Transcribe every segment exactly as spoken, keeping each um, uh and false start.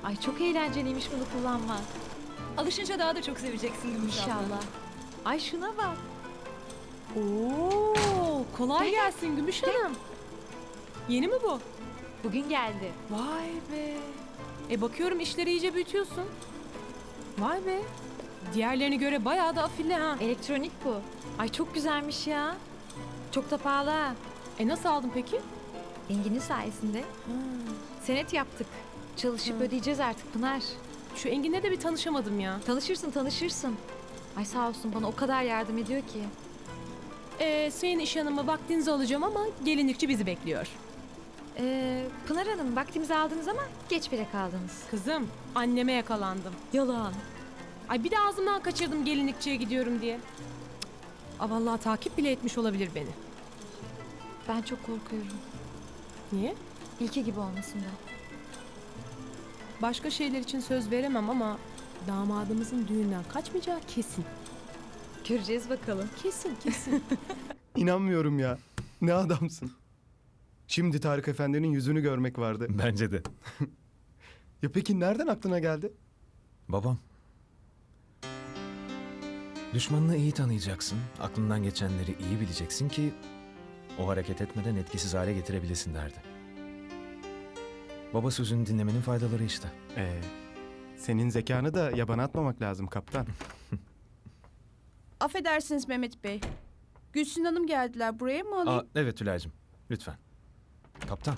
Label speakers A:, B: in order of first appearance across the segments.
A: Ay çok eğlenceliymiş bunu kullanmak.
B: Alışınca daha da çok seveceksin Gümüş abla.
A: İnşallah. Ay şuna bak.
C: Oo, kolay gelsin Gümüş Hanım. Yeni mi bu?
A: Bugün geldi.
C: Vay be. E bakıyorum işleri iyice büyütüyorsun. Vay be. Diğerlerine göre bayağı da afilli ha.
A: Elektronik bu. Ay çok güzelmiş ya. Çok da pahalı ha.
C: E nasıl aldın peki?
A: Engin'in sayesinde. Senet yaptık. Çalışıp ödeyeceğiz artık Pınar.
C: Şu Engin'le de bir tanışamadım ya.
A: Tanışırsın tanışırsın. Ay sağ olsun bana o kadar yardım ediyor ki.
C: E, senin iş hanımı vaktinizi alacağım ama gelinlikçi bizi bekliyor.
A: Ee, Pınar Hanım vaktimizi aldınız ama geç bile kaldınız.
C: Kızım, anneme yakalandım.
A: Yalan.
C: Ay bir de ağzımdan kaçırdım gelinlikçiye gidiyorum diye. Cık. Aa, vallahi takip bile etmiş olabilir beni.
A: Ben çok korkuyorum.
C: Niye?
A: İlki gibi olmasından.
C: Başka şeyler için söz veremem ama damadımızın düğünden kaçmayacağı kesin.
A: Göreceğiz bakalım.
C: Kesin, kesin.
D: İnanmıyorum ya. Ne adamsın. Şimdi Tarık Efendi'nin yüzünü görmek vardı.
E: Bence de.
D: Ya peki nereden aklına geldi?
E: Babam. Düşmanını iyi tanıyacaksın, aklından geçenleri iyi bileceksin ki o hareket etmeden etkisiz hale getirebilesin derdi. Baba sözünü dinlemenin faydaları işte.
D: Ee, senin zekanı da yabana atmamak lazım kaptan.
F: Affedersiniz Mehmet Bey. Gülsün Hanım geldiler. Buraya mı alayım?
E: Aa, evet Tülay'cığım, lütfen. Kaptan.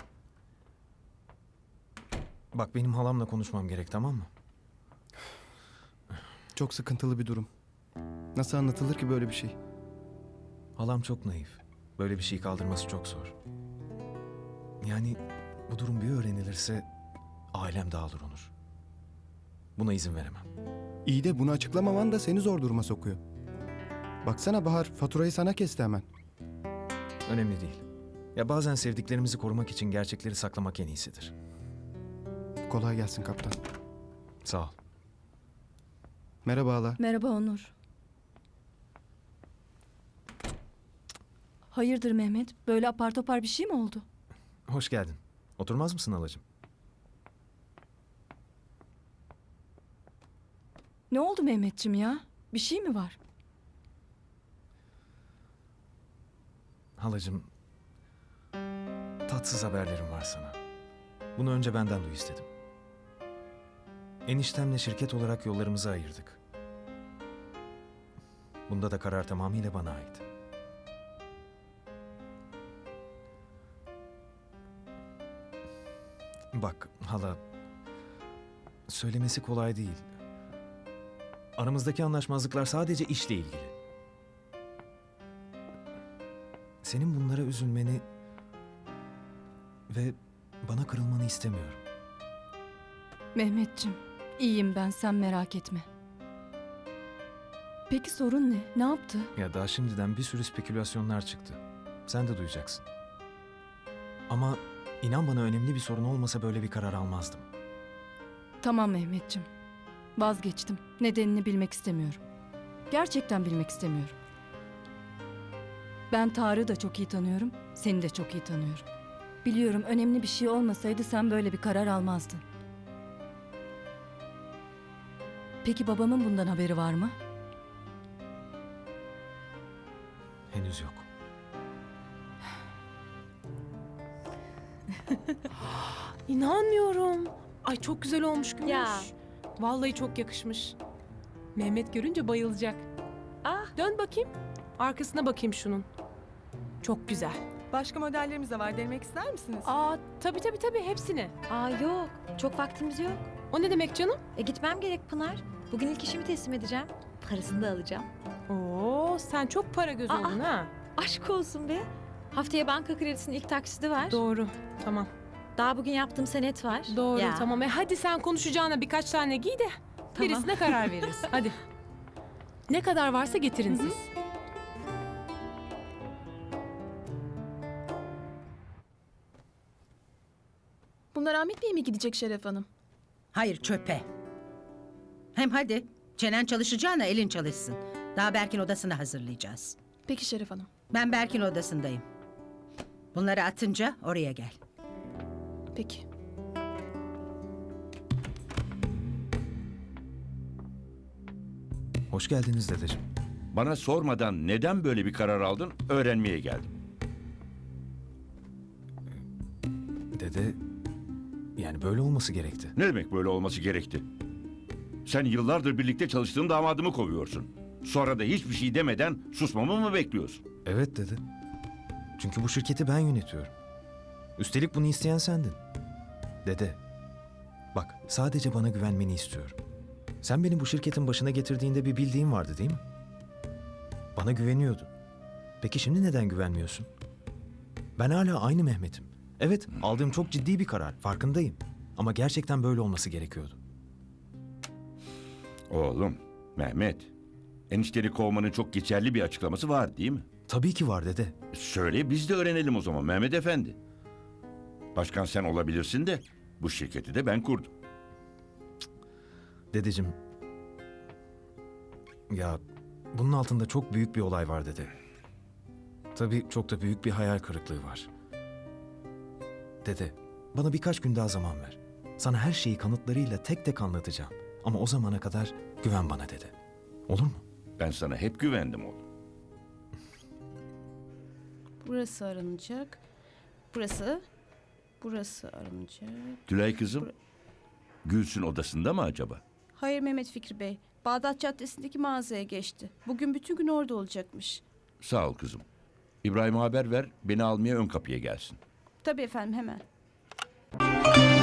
E: Bak benim halamla konuşmam gerek, tamam mı?
D: Çok sıkıntılı bir durum. Nasıl anlatılır ki böyle bir şey?
E: Halam çok naif. Böyle bir şey kaldırması çok zor. Yani bu durum bir öğrenilirse ailem dağılır Onur. Buna izin veremem.
D: İyi de bunu açıklamaman da seni zor duruma sokuyor. Baksana Bahar, faturayı sana kesti hemen.
E: Önemli değil. Ya bazen sevdiklerimizi korumak için gerçekleri saklamak en iyisidir.
D: Kolay gelsin kaptan.
E: Sağ ol.
D: Merhaba hala.
F: Merhaba Onur. Hayırdır Mehmet? Böyle apar topar bir şey mi oldu?
E: Hoş geldin. Oturmaz mısın halacığım?
F: Ne oldu Mehmetciğim ya? Bir şey mi var?
E: Halacığım, tatsız haberlerim var sana. Bunu önce benden duy istedim. Eniştemle şirket olarak yollarımızı ayırdık. Bunda da karar tamamıyla bana ait. Bak hala, söylemesi kolay değil. Aramızdaki anlaşmazlıklar sadece işle ilgili. Senin bunlara üzülmeni ve bana kırılmanı istemiyorum.
F: Mehmetciğim, iyiyim ben, sen merak etme. Peki sorun ne? Ne yaptı?
E: Ya daha şimdiden bir sürü spekülasyonlar çıktı. Sen de duyacaksın. Ama inan bana önemli bir sorun olmasa böyle bir karar almazdım.
F: Tamam Mehmetciğim. Vazgeçtim. Nedenini bilmek istemiyorum. Gerçekten bilmek istemiyorum. Ben Tarık'ı da çok iyi tanıyorum, seni de çok iyi tanıyorum. Biliyorum önemli bir şey olmasaydı sen böyle bir karar almazdın. Peki babamın bundan haberi var mı?
E: Henüz yok.
C: İnanmıyorum. Ay çok güzel olmuş Gümüş.
A: Ya.
C: Vallahi çok yakışmış. Mehmet görünce bayılacak.
A: Ah.
C: Dön bakayım. Arkasına bakayım şunun. Çok güzel.
B: Başka modellerimiz de var. Denemek ister misiniz?
C: Aa tabii tabii tabii hepsini.
A: Aa yok. Çok vaktimiz yok.
C: O ne demek canım?
A: E gitmem gerek Pınar. Bugün ilk işimi teslim edeceğim. Parasını da alacağım.
C: Oo sen çok para gözü
A: Aa.
C: oldun ha.
A: Aşk olsun be. Haftaya banka kredisinin ilk taksidi var.
C: Doğru. Tamam.
A: Daha bugün yaptığım senet var.
C: Doğru
A: Ya.
C: tamam. E hadi sen konuşacağına birkaç tane giy de
A: Tamam.
C: birisine karar veririz. Hadi. Ne kadar varsa getirin siz.
G: Bunlar Ahmet Bey'e mi gidecek Şeref Hanım?
H: Hayır çöpe. Hem hadi çenen çalışacağına elin çalışsın. Daha Berk'in odasını hazırlayacağız.
G: Peki Şeref Hanım.
H: Ben Berk'in odasındayım. Bunları atınca oraya gel.
G: Peki.
E: Hoş geldiniz dedeciğim.
I: Bana sormadan neden böyle bir karar aldın öğrenmeye geldim.
E: Dede, yani böyle olması gerekti.
I: Ne demek böyle olması gerekti? Sen yıllardır birlikte çalıştığın damadımı kovuyorsun. Sonra da hiçbir şey demeden susmamı mı bekliyorsun?
E: Evet dede. Çünkü bu şirketi ben yönetiyorum. Üstelik bunu isteyen sendin. Dede, bak sadece bana güvenmeni istiyorum. Sen beni bu şirketin başına getirdiğinde bir bildiğin vardı değil mi? Bana güveniyordun. Peki şimdi neden güvenmiyorsun? Ben hala aynı Mehmet'im. Evet, aldığım çok ciddi bir karar, farkındayım. Ama gerçekten böyle olması gerekiyordu.
I: Oğlum, Mehmet. Enişteni kovmanın çok geçerli bir açıklaması var değil mi?
E: Tabii ki var dede.
I: Söyle biz de öğrenelim o zaman Mehmet Efendi. Başkan sen olabilirsin de bu şirketi de ben kurdum.
E: Dedeciğim, ya bunun altında çok büyük bir olay var dede. Tabii çok da büyük bir hayal kırıklığı var. Dede, bana birkaç gün daha zaman ver. Sana her şeyi kanıtlarıyla tek tek anlatacağım. Ama o zamana kadar güven bana dede. Olur mu?
I: Ben sana hep güvendim oğlum.
J: Burası aranacak. Burası. Burası aranacak.
I: Tülay kızım, Gülsün odasında mı acaba?
J: Hayır Mehmet Fikri Bey. Bağdat Caddesi'ndeki mağazaya geçti. Bugün bütün gün orada olacakmış.
I: Sağ ol kızım. İbrahim'e haber ver, beni almaya ön kapıya gelsin.
J: Tabii efendim hemen.